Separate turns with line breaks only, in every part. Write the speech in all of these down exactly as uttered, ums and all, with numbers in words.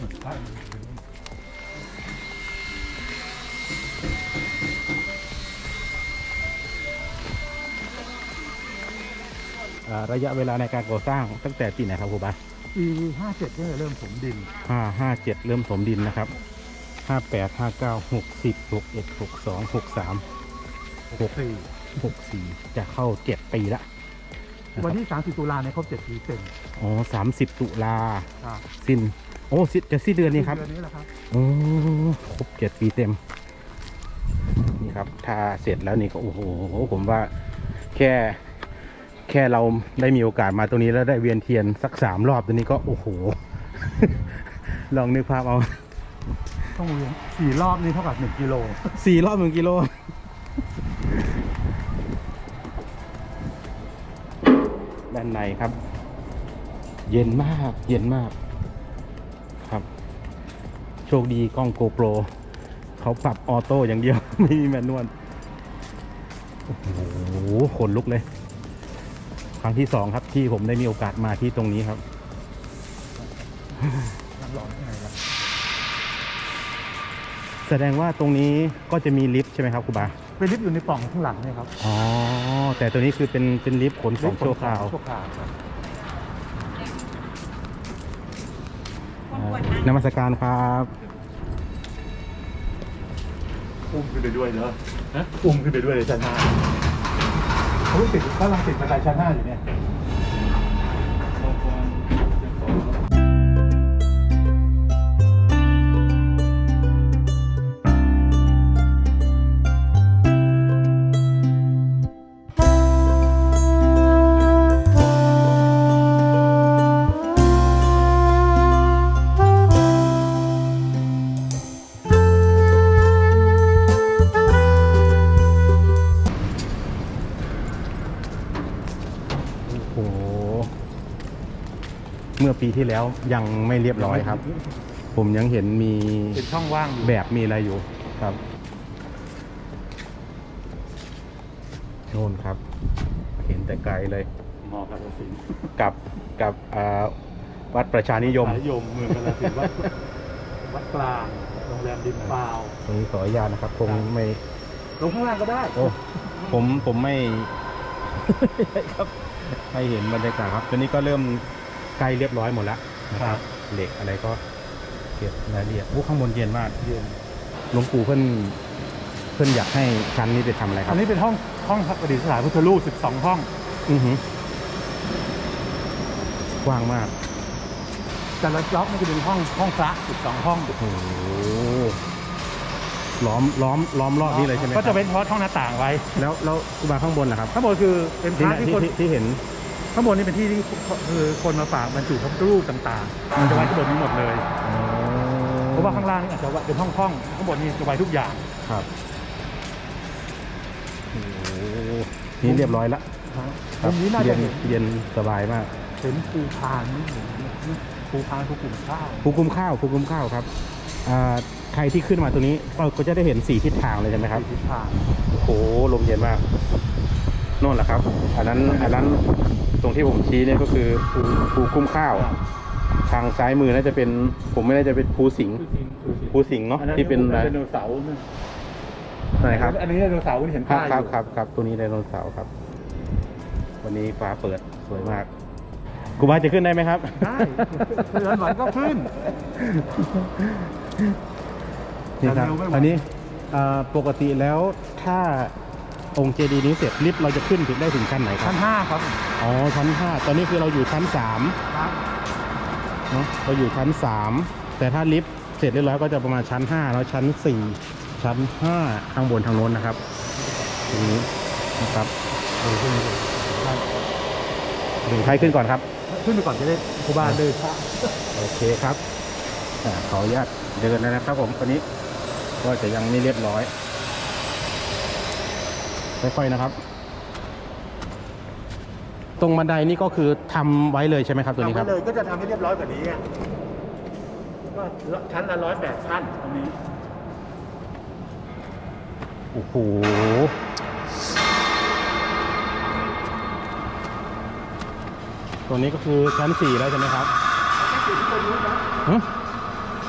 ระยะเวลาในการก่อสร้างตั้งแต่ปีไหนครับครูบา
ปีห้าเจ็ดเนี่ยเริ่มถมดิน
ห้าห้าเจ็ดเริ่มถมดินนะครับห้าแปดห้าเก้าหกสิบหกเอ็ดหกสองหกสามหกสี่หกสี่จะเข้าเจ็ดปีละ
วันที่สามสิบตุลาเนี่ยครบเจ็ดปีเต็ม
อ๋อสามสิบตุลาสิ้นโอ้จะสิ้นเดือนนี้ครับ
เดือนนี้แหละครับ
โอ้ครบเจ็ดปีเต็มนี่ครับถ้าเสร็จแล้วนี่ก็โอ้โหผมว่าแค่แค่เราได้มีโอกาสมาตรงนี้แล้วได้เวียนเทียนสักสามรอบตัวนี้ก็โอ้โห ลองนึกภาพเอา
ต้องเวียนสี่รอบนี่เท่ากับหนึ่งกิโล
สี่รอบหนึ่งกิโลด้านในครับเย็นมากเย็นมากครับโชคดีกล้องโกโปรเขาปรับออโต้อย่างเดียว ไม่มีแมนนวลโอ้โหขนลุกเลยครั้งที่สองครับที่ผมได้มีโอกาสมาที่ตรงนี้ครับแสดงว่าตรงนี้ก็จะมีลิฟต์ใช่ไหมครับครูบา
เป็นลิฟต์อยู่ในปล่องข้างหลังเนี่ยครับ
อ๋อแต่ตัวนี้คือเป็นเป็นลิฟต์ขนของชั่วคราวนมัสการครับ
อุ้มขึ้นไปด้วยเนอะอุ้มขึ้นไปด้วยเลยชั้นห้าเขาติดเขาลังติดบันไดชั้นห้าอยู่เนี่ย
เมื่อปีที่แล้วยังไม่เรียบร้อยครับผมยังเห็นมี
เป็นช่องว่าง
แบบมีอะไรอยู่ครับโน่นครับเห็นแต่ไกลเลย
มอกาฬสินธุ์
กับกับวัดประชานิยม
นิยมเมืองกาฬสินธุ์วัดวัดกลางโรงแรมดินเปล่า
ตรงนี้ขออนุญาตนะครับคงไม่
ลงข้างล่างก็ได้
โอ้ผมผมไม่ครับให้เห็นบรรยากาศครับตอนนี้ก็เริ่มใกล้เรียบร้อยหมดแล้วนะครับเหล็กอะไรก็เก็บรายละเอียดโอ้ข้างบนเย็นมาก
เย็น
หลวงปู่เพิ่นเพิ่นอยากให้ชั้นนี้ไปทำอะไรครับ
อันนี้เป็นห้องห้องประดิษฐานพุทธรูปสิบสองห้อง
อือหือ กว้างมาก
แต่ละล็อกมันจะเป็นห้องห้องพระสิบสองห้อง
โอ้โหล้อมล้อมล้อมรอบนี้เลยใช่ไหม
ก็จะเป็นเพราะช่องหน้าต่างไว้
แล้วแล้วอุบาข้างบนนะครับ
ข้างบนคือเป็นพระที่คน
ที่เห็น
ข้างบนนี่เป็นที่ที่คือคนมาฝากบรรจุพระพุทธรูปต่างๆมันจะไว้ที่บนนี้หมดเลยเพราะว่าข้างล่างนี่อาจจะเป็นห้องห้องข้างบนนี่จะไว้ทุกอย่าง
ครับโอ้นี่เรียบร้อยแล้ว
ตรงนี้น่าจะ
เย็นสบายมาก
เห็นภูพานนี่ภูพานภูกลุ่มข้าว
ภูกลุ่มข้าวภูกลุ่มข้าวครับใครที่ขึ้นมาตรงนี้ก็จะได้เห็นสี่ทิศทางเลยใช่ไหมครับ
สี่ทิศทาง
โอ้โหลมเย็นมากโน่นแหละครับอันนั้นอันนั้นตรงที่ผมชี้เนี่ยก็คือภูภูคุ้มข้าวทางซ้ายมือน่าจะเป็นผมไม่น่าจะเป็นภูสิงห์ภูสิงห์เนาะที่เป็น
ไดโนเสาร์
ไหนครับ
อันนี้ไดโนเสาร์ที่เห็นป้าย
ครับครับครับตัวนี้ไดโนเสาร์ครับวันนี้ฟ้าเปิดสวยมากกูบาจะขึ้นได้ไหมครับ
ได้เดินไหวก็ขึ้น
นี่ครับอันนี้ปกติแล้วถ้าองค์เจดีย์นี้เสร็จลิฟต์เราจะขึ้นถึงได้ถึงชั้นไหนครับ
ชั้นห้าครับ
อ๋อชั้นห้าตอนนี้คือเราอยู่ชั้นสามเนาะเราอยู่ชั้นสามแต่ถ้าลิฟต์เสร็จเรียบร้อยก็จะประมาณชั้นห้าแล้วชั้นสี่ชั้นห้าข้างบนทางโน้นนะครับตรงนี้นะครับถึงใครขึ้นก่อนครับ
ขึ้นไปก่อนจะได้ครูบาเดิน
โอเคครับขออนุญาตเดินแล้วนะครับผมตอนนี้ก็จะยังไม่เรียบร้อยค่อยๆนะครับตรงบันไดนี่ก็คือทำไว้เลยใช่ไหมครับตัวนี้ครับ
ทำไว้เลยก็จะทำให้เรียบร้อยกว่านี้ก็ชั้นละร้อยแปดชั้นตรงนี้
โอ้โหตัวนี้ก็คือชั้นสี่แล้วใช่ไหมครับ
ชั้นสี่ที่คนรู้นะ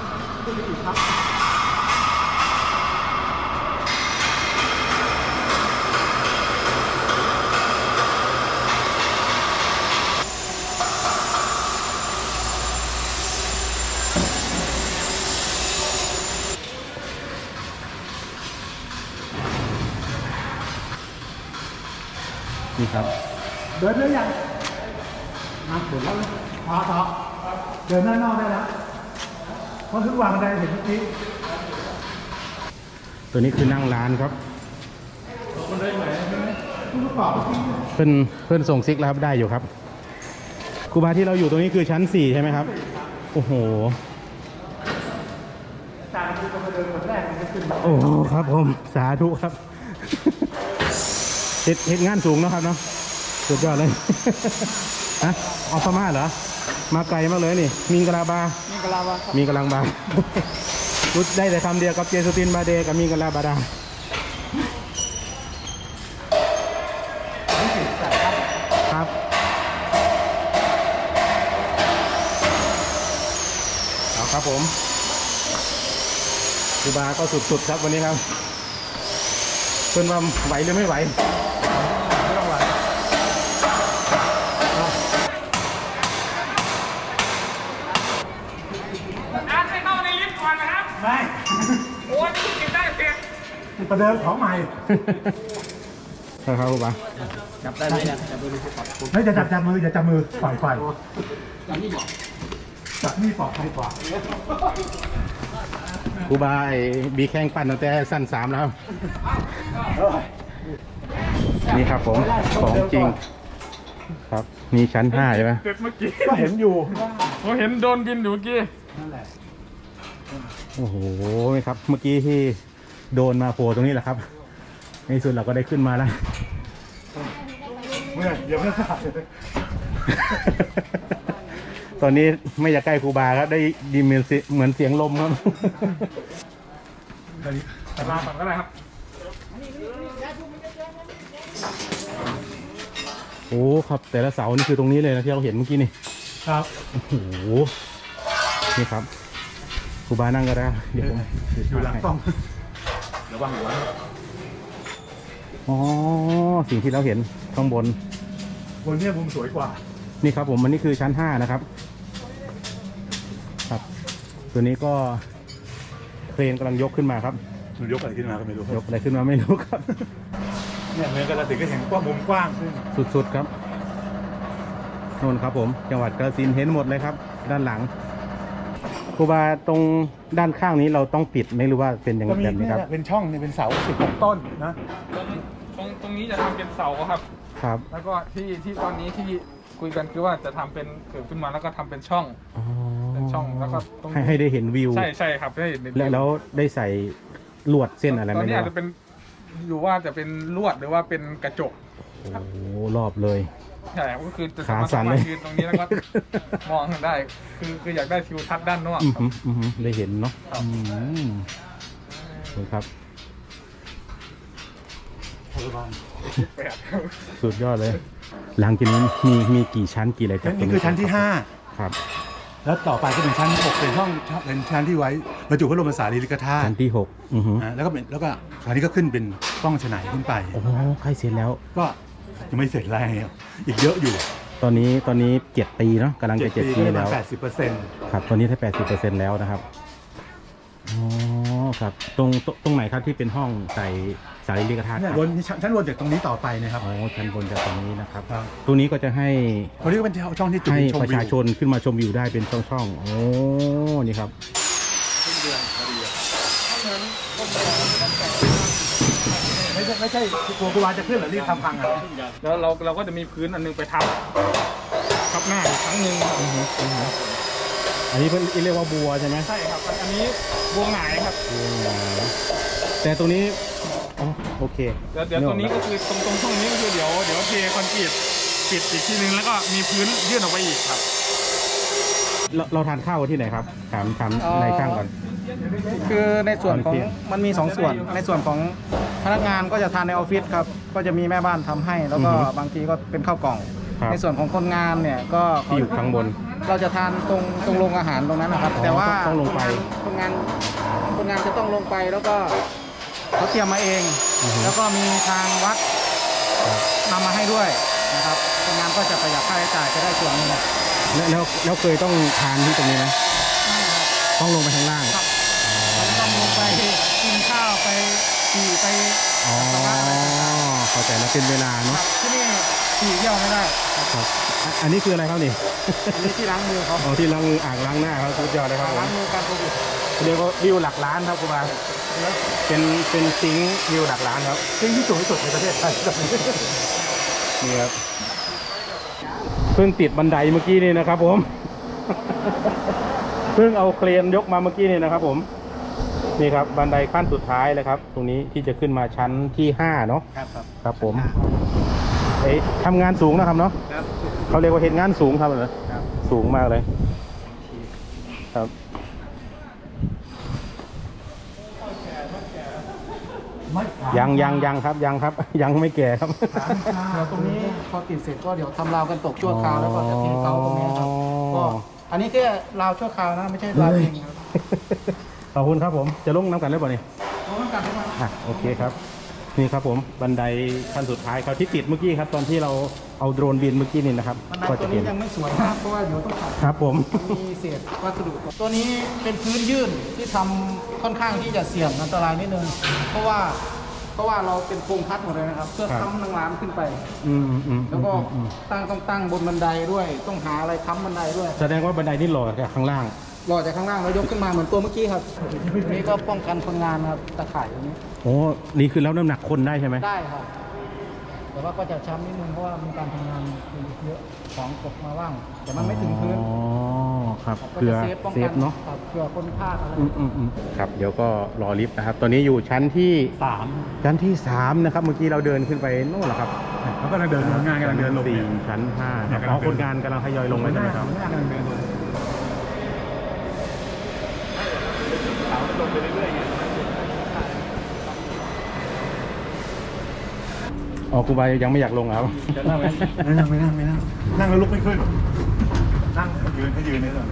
นี่ครับ
เดินได้ยังมาเดินแล้วพอต่อเดินหน้านอกได้แล้วเพราะทุกวางบันไดเห็นเมื่อกี้
ตัวนี้คือนั่งร้านครับ
บันไดไหนทุกกรอบ
เพื่อนเพื่อนส่งซิกแล้วครับได้อยู่ครับครูบาที่เราอยู่ตรงนี้คือชั้นสี่ใช่ไหมครับ โอ้โห
จานคือมาเดินคนแรกมันจะขึ้น
โอ้โหครับผมสาธุครับ เห็ดเห็ดงานสูงเนอะครับเนาะสุดยอดเลย ฮะออฟมาเหรอ มาไกลมากเลยนี่ มิงกะลาบา
นี่กะลาวะครับ
มีกำลังบา พูดได้แต่คำเดียวกับเจสุตินบาเดกับมิงกะลาบาดาครับเอาครับผมครูบาก็สุดๆครับวันนี้ครับเพื่อนว่าไหวหรือไม่ไหวไม่ต้องไหว
อาร์ตให้เข้าในลิฟต์ก่อนนะครับ
ไม่
โอ้ยนี่เก็บได้เสร็จ
ประเดิมของใหม่
ครับครูบา
จับได้ไหมเนี่ยจับดูดูก่อน
ไม่จะจับจับมืออย่าจับมือปล่อยปล่อยจับนี่บอกจับนี่ปลอดภัยกว่า
ครูบาไอ้บีแข้งปั้นตั้งแต่สั้นสามแล้วครับนี่ครับผมของจริงครับมีชั้นห้าใช่ไหม
เสร็จเมื่อกี้
ก็เห็นอยู่
ผมเห็นโดนบินอยู่เมื่อกี้
โอ้โหครับเมื่อกี้ที่โดนมาโผล่ตรงนี้แหละครับในที่สุดเราก็ได้ขึ้นมาแล้ว
เมื่อเดี๋ยวไม่ทราบ
ตอนนี้ไม่อยากใกล้ครูบาครับได้ยินเหมือนเสียเหมือนเสียงลมครับ
แต่มาก่อนก็ได้ครับ
โอ้ครับแต่ละเสานี่คือตรงนี้เลยนะที่เราเห็นเมื่อกี้นี่
ครับ
โอ้โหนี่ครับครูบานั่งก็ได้เดี๋ยวผม
อยู่หลังกล้องระวังหัว
อ๋อสิ่งที่เราเห็นข้างบน
บนเนี้มุมสวยกว่า
นี่ครับผมอันนี้คือชั้นห้านะครับครับ ตัวนี้ก็เครนกำลังยกขึ้นมาครับ
มันยกอะไรขึ้นมาก็ไม่รู้
ยกอะไรขึ้นมาไม่รู้ครับ
เนี่ยเหมือนกันเราถึงก็เห็นกว้างมุมกว้างขึ้น
สุดๆครับโน่นครับผมจังหวัดกาฬสินธุ์เห็นหมดเลยครับ ด้านหลังครูบาตรงด้านข้างนี้เราต้องปิดไหมหรือว่าเป็นอย่าง
ก็มี
แบบนี้
เนี่ย
ครับ
เป็นช่องเนี่ยเป็นเสาสิบหกต้นนะ
ตรงตรงตรงนี้จะทำเป็นเสาครับ
ครับ
แล้วก็ที่ที่ตอนนี้ที่คุยกันคือว่าจะทำเป็นเกิดขึ้นมาแล้วก็ทำเป็นช่อง
อ๋อ
เป็นช่องแล้วก็ตรง
ให้ให้ได้เห็นวิว
ใช่ใช่ครับได้เห็นใน
และแล้วได้ใส่ลวดเส้นอะไรไห
ต
ม
อนนี้
เนี่ย
อาจจะเป็นอยู่ว่าจะเป็นลวดหรือว่าเป็นกระจก
โอ้โหรอบเลย
ใช่ครับก็คือจะ
ขา
สามารถ
สั่นเลย
ยืนตรงนี้แล้วก็มองได้ คือคืออยากได้ทิวทัศน์ด้านนอก
อือหืออือหือได้เห็นเนาะ
ครับ
อืมดูครับ
แปด
สุดยอดเลย หลังจากนี้มีมีกี่ชั้นกี่อะไรจากตรง
นี่คือชั้นที่ห้า
ครับ
แล้วต่อไปก็เป็นชั้นหกเป็นห้องเป็นชั้นที่ไว้บรรจุพระบรมสารีริกธาตุ
ชั้นที่หกอือหือ
อ่าแล้วก็เป็นแล้วก็คราวนี้ก็ขึ้นเป็นป้องฉนายขึ้นไป
โอ้โหใกล้เสร็จแล้ว
ก็ยังไม่เสร็จแล้วอีกเยอะอยู่
ตอนนี้ตอนนี้เจ็ดปีเนาะกำลังจะเจ็ดปี
ก็ประ
แล้
มาณ
ว
แปดสิบเปอร์เซ็นต์
ครับ ตอนนี้ได้แปดสิบเปอร์เซ็นต์แล้วนะครับ อ๋อ ครับ ตรงตรงตรงไหนครับที่เป็นห้องใส่สารีริกธาตุค
เนี่ย
รับ
วนชั้นชั้นวนจากตรงนี้ต่อไปนะครับ
อ๋อ ชั้นบนจากตรงนี้นะครับ
ครับ
ตรงนี้ก็จะให้
ตรงนี้ก็เป็นช่องที่จุด
ให้
ชม
ประ
วิ
ชาว ชนขึ้นมาชมวิวได้เป็นช่องๆ โอ้ นี่ครับ
ไม่ใช่ไม่ใช่กลัวกูวาจะขึ้นหรือรีบทำพังอ่ะ
แล้วเราเราก็จะมีพื้นอันนึงไปทับทับหน้าอีกครั้งหนึ่ง
อันนี้เป็นเรียกว่าบัวใช่ไหม
ใช่ครับ อันนี้บวงหงายครับ
บัวหงายแต่ตรงนี้ อ๋อ โอเค
เดี๋ยวเดี๋ยวตรงนี้ก็คือตรงตรงช่องนี้ก็คือเดี๋ยวเดี๋ยวเทคอนกรีตปิดอีกทีนึงแล้วก็มีพื้นยื่นออกไปอีกครับ
เราเราทานข้าวที่ไหนครับ ถามถาม
เอ่อ
ในช่างก่อน
คือในส่วนของ
ตอนเที่ยง
มันมีสองส่วน ในส่วนของพนักงานก็จะทานในออฟฟิศครับ ก็จะมีแม่บ้านทำให้ แล้วก็บางทีก็เป็นข้าวกล่อง
ครับ
ในส่วนของคนงานเนี่ยก็
ที่อยู่ข้างบน
เราจะทานตรงตรงโรงอาหารตรงนั้นนะครับ
อ๋อ
แต่ว่า
ต้องลงไป
คนงานคนงานจะต้องลงไปแล้วก็เขาเตรียมมาเอง
อือฮึ
แล้วก็มีทางวัดนำมาให้ด้วยนะครับคนงานก็จะประหยัดค่าใช้จ่ายจะได้ส่วนหนึง
แล้วแล้วแล้วเคยต้องทานที่ตรงนี้ไหมต้องลงไปข้างล่าง
ครับเราต้องลงไปกินข้าวไปขี่ไป
อ๋อ
ปัสสาวะอะไรต่าง
เข้าใจแล้วเป็นเวลา
ๆค
เนาะ
รับที่นี่ขี่เยี่ยวไม่ได้
ครับอ่ะอันนี้คืออะไรครับนี่
อันนี้ที่ล้างมือเขา
อ๋อที่ล้างมืออ่างล้างหน้าครับสุดยอดเลยครับผม
ล้างมือการโควิด
เรียกว่าวิวหลักล้านครับครูบาเป็นเป็นซิงค์วิวหลักล้านครับ
ซึ่งที่สูงที่สุดในประเทศไทย
นี่ครับเพิ่งติดบันไดเมื่อกี้นี่นะครับผม เพิ่งเอาเครนยกมาเมื่อกี้นี่นะครับผมนี่ครับบันไดขั้นสุดท้ายเลยครับ ตรงนี้ที่จะขึ้นมาชั้นที่ห้าเนาะ
ครับครับ
ครับผมเอ้ยทำงานสูงนะครับเนาะ
ครับ
เขาเรียกว่าเห็นงานสูงครับเหรอ
ครับ
สูงมากเลยครับยังยังยังครับยังครับ ยังไม่แก่ครับ
เดี๋ยวตรงนี้พอติดเสร็จก็เดี๋ยวทำราวกันตกชั่วคราวแล้วก็จะเทเตาตรงนี้ครับ
อ๋อ
ก็อันนี้แค่ราวชั่วคราวนะไม่ใช่ราวจริงครับ
ขอบคุณครับผมจะลงน้ำกันได้ป่ะนี่
เพราะว่าการทำงาน
อ่ะโอเคครับนี่ครับผมบันไดขั้นสุดท้ายครับที่ติดเมื่อกี้ครับ ตอนที่เราเอาโดรนบินเมื่อกี้นี่นะครับ
บันได
ก็
ตั
จะ
ว
เห็
นี้
น
ยังไม่สวยนะเพราะว่าเดี๋ยวต้องขัด
ครับผม
มีเศษวัสดุตัวนี้เป็นพื้นยื่นที่ทำค่อนข้างที่จะเสี่ยงอันตรายนิดนึงเพราะว่าเพราะว่าเราเป็นโครงคัดหมดเลยนะครับเพื่อ
ครับ
ค้ำนางร้านขึ้นไป
อืมอืม
แล้วก็
อืม
ตั้งต้องตั้งบนบันไดด้วย ต้องหาอะไรค้ำบันไดด้วย
แสดงว่าบันไดนี่หล่อจากข้างล่าง
รอจากข้างล่างแล้วยกขึ้นมาเหมือนตัวเมื่อกี้ครับนี่ก็ป้องกันคนงานครับตะข่ายตรงนี้
โอ้นี่คือแล้วน้ำหนักคนได้ใช่ไหม
ได้ครับ แต่ว่าก็จะช้ำนิดนึงเพราะว่ามีการทำงานเยอะของตกมาบ้างแต่มันไม่ถึงพื้น
อ๋อครับ
ก็
เพื่อ
จะเซฟป้อง
เซ
กั
ฟเนาะ
ครับเผื่อคนพลาดอะไร
อืมอืมอืมครับเดี๋ยวก็รอลิฟต์นะครับ ตอนนี้อยู่ชั้นที่
สาม
ชั้นที่สามนะครับเมื่อกี้เราเดินขึ้นไปโน่นแหละครับ
แล้วก็กำลังเดินงานกำลังเดินลง
สี่
เนี่ย
ชั้นห้าครับ
เนี่ย
อ๋อก
ำลังเดิน
คนงานกำลังทยอยลงแล้วใช่ไหมครับ
งานกำลังเดินลง
อ๋อครูบายังไม่อยากลงครับ
จะนั่งไหมไม่นั่งไม่นั่งไม่นั่งนั่งแล้วลุกไม่ขึ้น นั่งยืนให้ยืนนี่ก่อน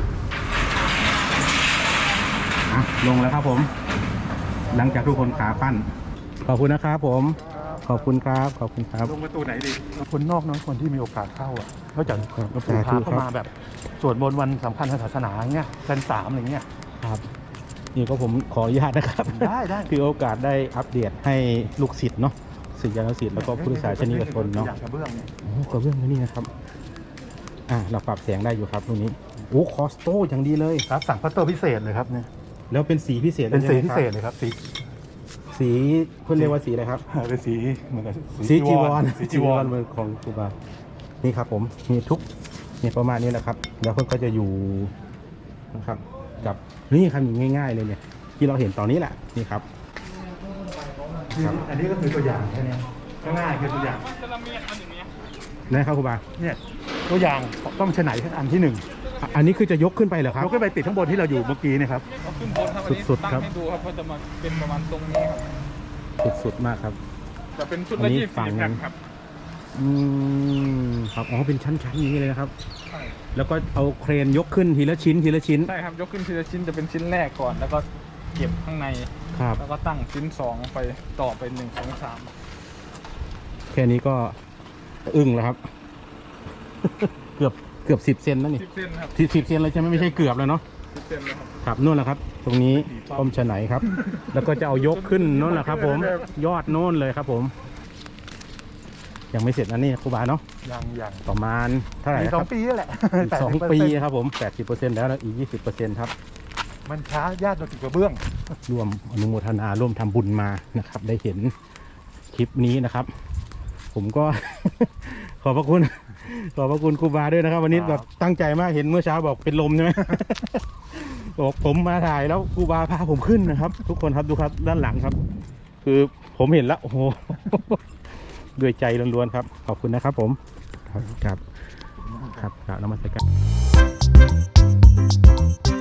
อ่ะลงแล้วครับผม หลังจากทุกคนขาปั้น ขอบคุณนะครับผม ขอบคุณครับ ขอบคุณครับ
ลงประตูไหนดีคนนอกน้อยคนที่มีโอกาสเข้าอ่ะนอกจาก
ครับ
หลวงปู่พา
สาธุ
เข้า
ครับ
มาแบบสวดมนต์วันสำคัญทางศาสนาเงี้ยชั้นสามอะไรเงี้ย
ครับ นี่ก็ผมขออนุญาตนะครับ
ได้ได้
คือโอกาสได้อัปเดตให้ลูกศิษย์เนาะศิษยานุศิษย์แล้วก็ผู้ศึกษาชนิดชนเนาะ
อยากกระเบื้องเนี่ย
โอ้กระเบื้องนี่นะครับ อ่ะเราปรับแสงได้อยู่ครับตรงนี้ โอ้คอสโต้อย่างดีเลย
ครับสั่งพัตเตอร์พิเศษเลยครับเนี่ย
แล้วเป็นสีพิเศษ
เป็นสี
ลย
พิ
ใช่
เศ
ไหมครับ
ษเลยครับสี
สีเพื่อนเรียกว่าสีอะไรครับ
เป็นสีเหมือนกับ
สีจีวร
สีจีวร
เหมือนของครูบา นี่ครับผมมีทุกเนี่ยประมาณนี้แหละครับ แล้วเพื่อนก็จะอยู่นะครับ กับนี่ครับอย่างง่าย ๆ เลยเนี่ย ที่เราเห็นตอนนี้แหละนี่ครับ ครับ
อันนี้ก็คือตัวอย่างแค่เนี้ยง่ายๆคือตัวอย่าง
มันจะละเมียดมันอย่างเงี้ย
นะครับครูบา
เนี่ยตัวอย่างต้องชะไหนอันที่หนึ่ง
อ่ะอันนี้คือจะยกขึ้นไปเหรอครับ
ยกขึ้นไปติดข้างบนที่เราอยู่เมื่อกี้เนะครับ
เอาขึ้นบนครับอันนี้
สุดๆ
ตั้ง
ครับ
ให้ดูครับว่าจะมาเป็นประมาณตรงนี้ครับ
สุดๆมากครับ
จะเป็นชุด
อั
ละ
นนี้
ยี่สิบ
ฝั่ง
สี่
นั้
แผ่น
น
ครับ
อืมครับอ๋อเป็นชั้นๆอย่างนี้เลยนะครับ
ใช่
แล้วก็เอาเครนยกขึ้นทีละชิ้นทีละชิ้น
ใช่ครับยกขึ้นทีละชิ้นจะเป็นชิ้นแรกก่อน แล้วก็เก็บข้างใน
ครับ
แล้วก็ตั้งชิ้นสองไปต่อไปหนึ่งสองสาม
แค่นี้ก็อึ้งแล้วครับ เกือบเกือบสิบเซนแล้วนี่
สิบเส้นครับ
สิบสิบเซนเลยใช่ไหมไม่ใช่เกือบแล้วเนาะ
สิบเส้นเลยครับ
ครับนู่นแหละครับ ตรงนี้ป้อมฉะไหนครับ แล้วก็จะเอายกขึ้นนู่นแหละครับ ผมยอดโน่นเลยครับ ผม ยังไม่เสร็จนะนี่ครูบาเนาะ
ยังยัง
ประมาณเท่าไหร่
อีก
นะ
ส
ค
อง
รับ
ปีนี่แหละ
อีกสองปีครับผมแปดสิบเปอร์เซ็นต์แล้วแล้วอีกยี่สิบเปอร์เซ็นต์ครับ
มันช้าญาติเราถึงกระเบื้อง
ร่วมอนุโมทนาร่วมทำบุญมานะครับ ได้เห็นคลิปนี้นะครับ ผมก็ ขอบพระคุณ ขอบพระคุณครูบาด้วยนะครับ วันนี้
ครับ
แบบตั้งใจมากเห็นเมื่อเช้าบอกเป็นลมใช่ไหม บอกผมมาถ่ายแล้วครูบาพาผมขึ้นนะครับ ทุกคนครับดูครับด้านหลังครับ คือผมเห็นแล้วโอ้โห ด้วยใจล้วนๆครับ ขอบคุณนะครับ ผมครับครับครับกราบนมัสการ